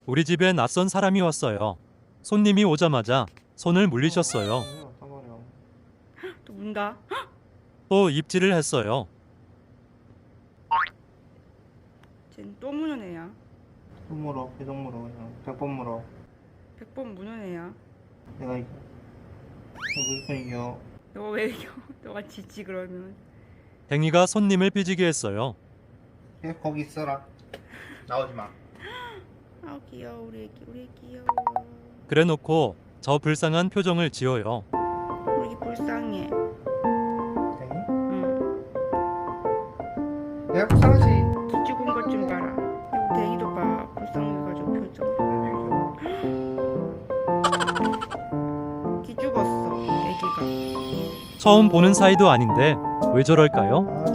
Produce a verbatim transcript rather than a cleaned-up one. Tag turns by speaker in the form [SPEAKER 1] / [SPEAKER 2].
[SPEAKER 1] 우리 집에 낯선 사람이 왔어요. 손님이 오자마자 손을 물리셨어요.
[SPEAKER 2] 또 문다.
[SPEAKER 1] 또 입질을 했어요.
[SPEAKER 2] 쟨 또 무는 애야.
[SPEAKER 3] 또 물어, 계속 물어, 그냥 백 번 물어.
[SPEAKER 2] 백 번 무는 애야.
[SPEAKER 3] 내가 이겨. 내가 무조건 이겨.
[SPEAKER 2] 너가 왜 이겨? 너가 지지 그러면.
[SPEAKER 1] 댕이가 손님을 삐지게 했어요.
[SPEAKER 3] 야, 거기 있어라. 나오지 마.
[SPEAKER 2] 아 귀여워 우리 애기 우리 애기 귀여워.
[SPEAKER 1] 그래놓고 저 불쌍한 표정을 지어요.
[SPEAKER 2] 우리 애기 불쌍해.
[SPEAKER 3] 댕이?
[SPEAKER 2] 응.
[SPEAKER 3] 내가 불쌍하지.
[SPEAKER 2] 기죽은 것 좀 봐라. 우리 댕이도 봐. 불쌍해가지고 표정. 기죽었어 애기가.
[SPEAKER 1] 처음 보는 사이도 아닌데 왜 저럴까요?
[SPEAKER 3] 아,